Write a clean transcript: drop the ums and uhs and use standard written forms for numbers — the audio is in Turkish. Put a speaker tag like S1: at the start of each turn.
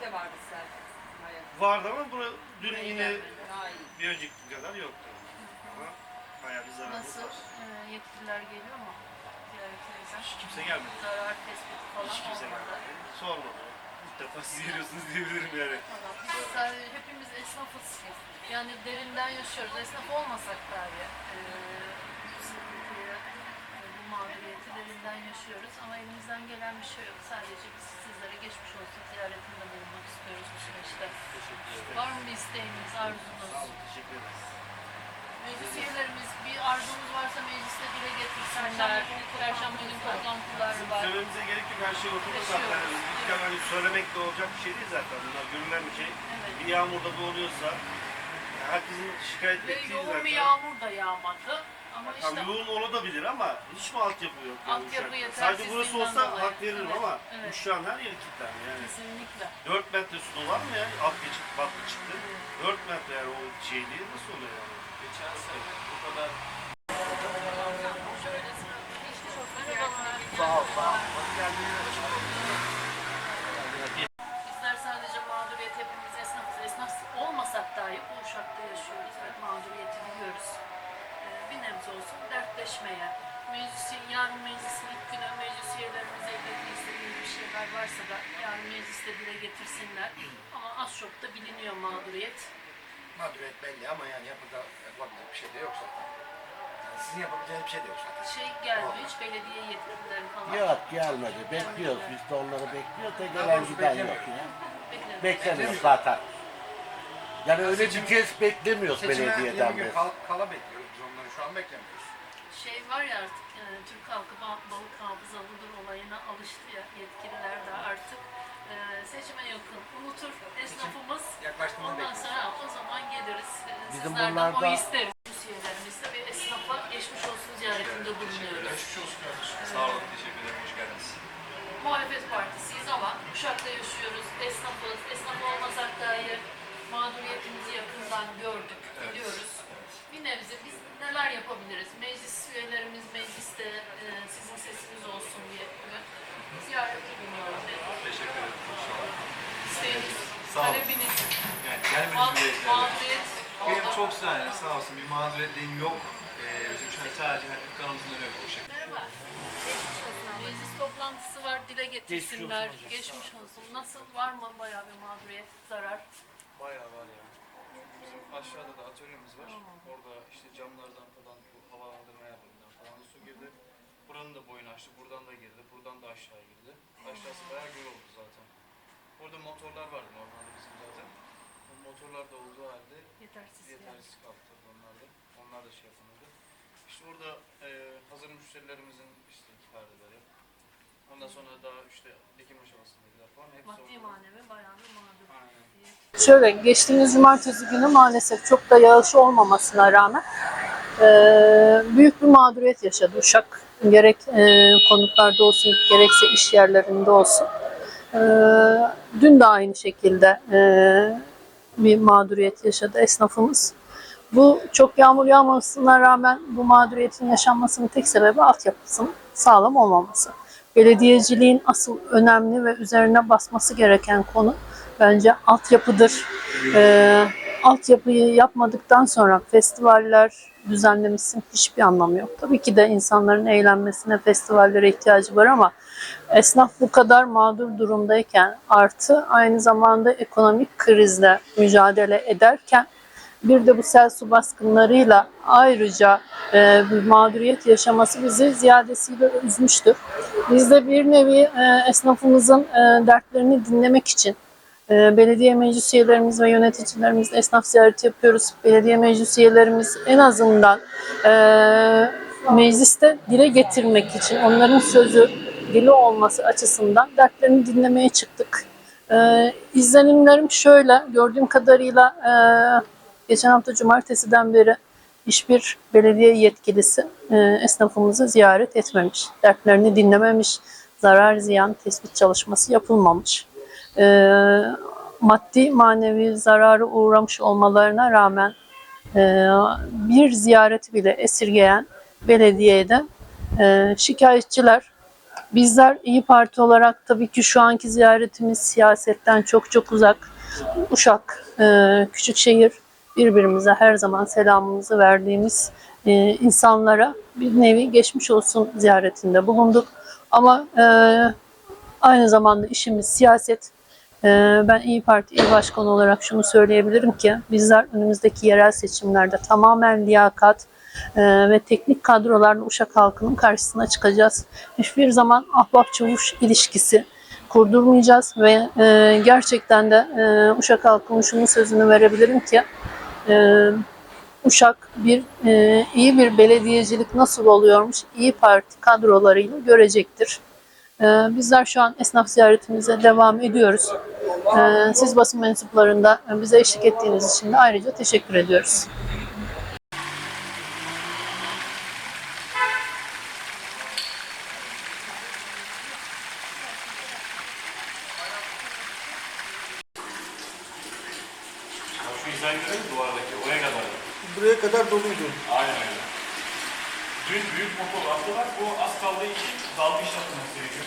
S1: de vardı zaten.
S2: Vardı ama dün yine bir önceki kadar yoktu. Ama bayağı bir zararımız
S3: Nasıl?
S2: var.
S3: Yetkililer geliyor mu? Ziyaretinize.
S2: Hiç kimse gelmedi.
S3: Zarar tespiti falan
S2: Hiç kimse
S3: olmadı.
S2: gelmedi. Sormadı. İlk defa siz geliyorsunuz diyebilirim yani.
S3: Biz sadece hepimiz esnafız. Yani derinden yaşıyoruz. Esnaf olmasak dahi bu sıkıntıyı, bu mağduriyeti derinden yaşıyoruz. Ama elimizden gelen bir şey yok. Sadece biz sizlere geçmiş olsun ziyaretinde bulunmak istiyoruz bu süreçte. Var mı bir isteğiniz, arzunuz?
S2: Sağ olun, teşekkür ederiz.
S3: Meclis üyelerimiz bir arzunuz varsa mecliste dile getirsinler. Perşembe günü toplantıları var.
S2: Söylememize gerek yok, her şey oturdu zaten. İlk hani söylemek de olacak bir şey değil zaten. Bunlar görünen bir şey.
S3: Evet.
S2: Bir yağmurda da oluyorsa herkesin şikayet
S3: Ve
S2: ettiği
S3: yoğun
S2: zaten.
S3: bir yağmur da yağmadı. Ama işte
S2: Tam yoğun olabilir ama hiç mi altyapı yok? Yani
S3: altyapı
S2: Uşak?
S3: yetersizliğinden
S2: Sadece burası olsa
S3: dolayı.
S2: hak veririm
S3: Evet,
S2: ama
S3: evet.
S2: şu an her yeri kilitlendi yani.
S3: Kesinlikle.
S2: 4 metre su var mı ya? Alt geçit batlı çıktı. 4 metre yani o şey değil, nasıl oluyor yani?
S4: Geçen sene bu kadar
S2: Sağ ol, sağ ol. Hoş geldiniz.
S3: Bizler sadece mağduriyet hepimiz esnafız. Esnaf olmasak dahi bu Uşak'ta yaşıyoruz ve mağduriyeti biliyoruz. Bir nebze olsun dertleşmeye, yarın meclisin ilk günü meclis üyelerimize iletmek istediğimiz bir şeyler varsa da yarın mecliste dile getirsinler. Ama az çok da biliniyor mağduriyet.
S5: Mağduriyet belli ama yani yapılacak bir şey de yok zaten. Yani sizin yapabileceğiniz bir şey de yok zaten.
S3: Şey geldi hiç belediye yetkilileri falan.
S6: Yok gelmedi. Bekliyoruz. Biz de onları bekliyoruz da gelen giden yok ya. Beklemiyoruz zaten. Yani öyle bir kez beklemiyoruz
S5: Seçime 20
S6: belediyeden
S5: gün
S6: biz.
S5: kala bekliyoruz. Biz onları şu an beklemiyoruz.
S3: Şey var ya artık Türk halkı balık hafızalıdır olayına alıştı ya yetkililer de artık seçime yakın unutur esnafımız.
S5: Yaklaştığında
S3: Ondan
S5: bekliyoruz.
S3: sonra o zaman geliriz.
S6: Bizim
S3: Sizlerden
S6: buralarda-
S3: oy isteriz. Üyelerimizde bir esnafa geçmiş olsun ziyaretinde bulunuyoruz.
S4: geçmiş olsun kardeşim. Sağ olun, teşekkür ederim. Hoş geldiniz.
S3: Muhalefet partisiyiz ama Uşak'ta yaşıyoruz, esnafız. Esnaf olmasak dahi mağduriyetimizi yakından gördük, biliyoruz. Bir nebze biz neler yapabiliriz? Meclis üyelerimiz mecliste sizin sesiniz olsun diye ziyarete bulunuyoruz.
S4: Teşekkür ederim. Sağ olun.
S3: İsteğiniz,
S4: Sağ olun.
S3: talebiniz,
S4: Yani gelmeniz bile
S3: mağduriyet.
S4: benim çok sağ olsun bir mağduriyetliğim yok. Bizim şu an sadece dükkanımızın önü bu şekilde.
S3: Merhaba. Meclis toplantısı var, dile getirsinler. Geçmiş olsun. Nasıl? Var mı bayağı bir mağduriyet, zarar?
S7: Bayağı var ya. Bizim aşağıda da atölyemiz var. Orada işte camlardan falan, bu havalandırma yerlerinden falan da su girdi. Buranın da boyunu açtı, buradan da girdi, buradan da aşağı girdi. Aşağısı bayağı göl oldu zaten. Burada motorlar vardı normalde bizim zaten. O motorlar da olduğu halde yetersiz kaldı tabii onlar da. Onlar da şey yapamadı. İşte orada hazır müşterilerimizin işte perdeleri. Ondan sonra daha işte dikim aşamasındakiler falan. Hepsi
S3: Maddi
S7: orada.
S3: manevi bayağı bir mağdur.
S7: Aynen.
S8: Şöyle, geçtiğimiz cumartesi günü maalesef çok da yağış olmamasına rağmen büyük bir mağduriyet yaşadı Uşak. Gerek konutlarda olsun, gerekse iş yerlerinde olsun. Dün de aynı şekilde bir mağduriyet yaşadı esnafımız. Bu çok yağmur yağmamasına rağmen bu mağduriyetin yaşanmasının tek sebebi altyapısının sağlam olmaması. Belediyeciliğin asıl önemli ve üzerine basması gereken konu bence altyapıdır. Altyapıyı yapmadıktan sonra festivaller düzenlemişsin hiçbir anlamı yok. Tabii ki de insanların eğlenmesine, festivallere ihtiyacı var ama esnaf bu kadar mağdur durumdayken artı aynı zamanda ekonomik krizle mücadele ederken bir de bu sel su baskınlarıyla ayrıca bir mağduriyet yaşaması bizi ziyadesiyle üzmüştür. Biz de bir nevi esnafımızın dertlerini dinlemek için belediye meclis üyelerimiz ve yöneticilerimiz esnaf ziyareti yapıyoruz. Belediye meclis üyelerimiz en azından mecliste dile getirmek için onların sözü dili olması açısından dertlerini dinlemeye çıktık. İzlenimlerim şöyle, gördüğüm kadarıyla geçen hafta cumartesiden beri hiçbir belediye yetkilisi esnafımızı ziyaret etmemiş, dertlerini dinlememiş, zarar ziyan tespit çalışması yapılmamış. Maddi manevi zararı uğramış olmalarına rağmen bir ziyareti bile esirgeyen belediyeye de şikayetçiler. Bizler İyi Parti olarak tabii ki şu anki ziyaretimiz siyasetten çok çok uzak. Uşak, küçük şehir, birbirimize her zaman selamımızı verdiğimiz insanlara bir nevi geçmiş olsun ziyaretinde bulunduk. Ama aynı zamanda işimiz siyaset. Ben İyi Parti İl Başkanı olarak şunu söyleyebilirim ki bizler önümüzdeki yerel seçimlerde tamamen liyakat ve teknik kadrolarla Uşak halkının karşısına çıkacağız. Hiçbir zaman ahbap çavuş ilişkisi kurdurmayacağız ve gerçekten de Uşak halkının şunun sözünü verebilirim ki Uşak iyi bir belediyecilik nasıl oluyormuş İyi Parti kadrolarıyla görecektir. Bizler şu an esnaf ziyaretimize devam ediyoruz. Siz basın mensuplarında bize eşlik ettiğiniz için de ayrıca teşekkür ediyoruz.
S7: Şu hizayı görelim mi duvardaki? Oraya kadar.
S5: Buraya kadar doluydu.
S7: Aynen öyle. Dün büyük motor attılar. Bu az kaldığı için dalga iş yapılması gerekiyor.